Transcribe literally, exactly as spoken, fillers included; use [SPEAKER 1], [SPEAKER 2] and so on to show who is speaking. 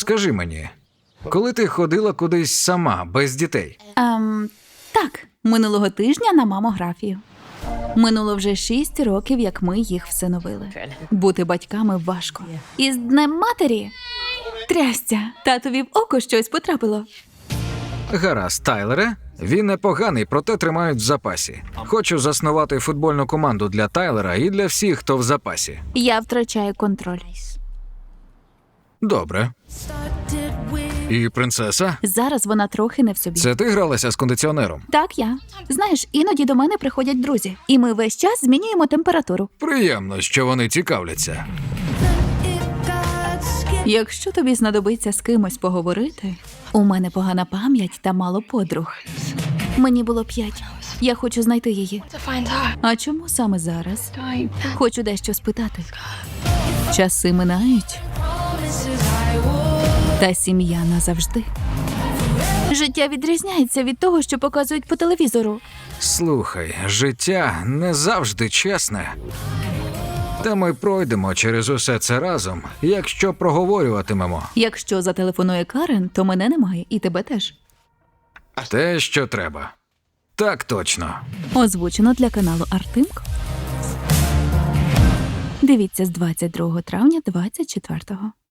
[SPEAKER 1] Скажи мені, коли ти ходила кудись сама, без дітей?
[SPEAKER 2] Ем, так, минулого тижня на мамографію. Минуло вже шість років, як ми їх всиновили. Бути батьками важко. І з Днем матері? Трясця, татові в око щось потрапило.
[SPEAKER 1] Гаразд, Тайлере. Він непоганий, проте тримають в запасі. Хочу заснувати футбольну команду для Тайлера і для всіх, хто в запасі.
[SPEAKER 2] Я втрачаю контроль.
[SPEAKER 1] Добре. І принцеса?
[SPEAKER 2] Зараз вона трохи не в собі.
[SPEAKER 1] Це ти гралася з кондиціонером?
[SPEAKER 2] Так, я. Знаєш, іноді до мене приходять друзі, і ми весь час змінюємо температуру.
[SPEAKER 1] Приємно, що вони цікавляться.
[SPEAKER 2] Якщо тобі знадобиться з кимось поговорити, у мене погана пам'ять та мало подруг. Мені було п'ять. Я хочу знайти її. А чому саме зараз? Хочу дещо спитати. Часи минають, та сім'я назавжди. Життя відрізняється від того, що показують по телевізору.
[SPEAKER 1] Слухай, життя не завжди чесне. Та ми пройдемо через усе це разом, якщо проговорюватимемо.
[SPEAKER 2] Якщо зателефонує Карен, то мене немає, і тебе теж.
[SPEAKER 1] Те, що треба. Так точно.
[SPEAKER 2] Озвучено для каналу Артемко. Дивіться з двадцять другого травня двадцять четвертого.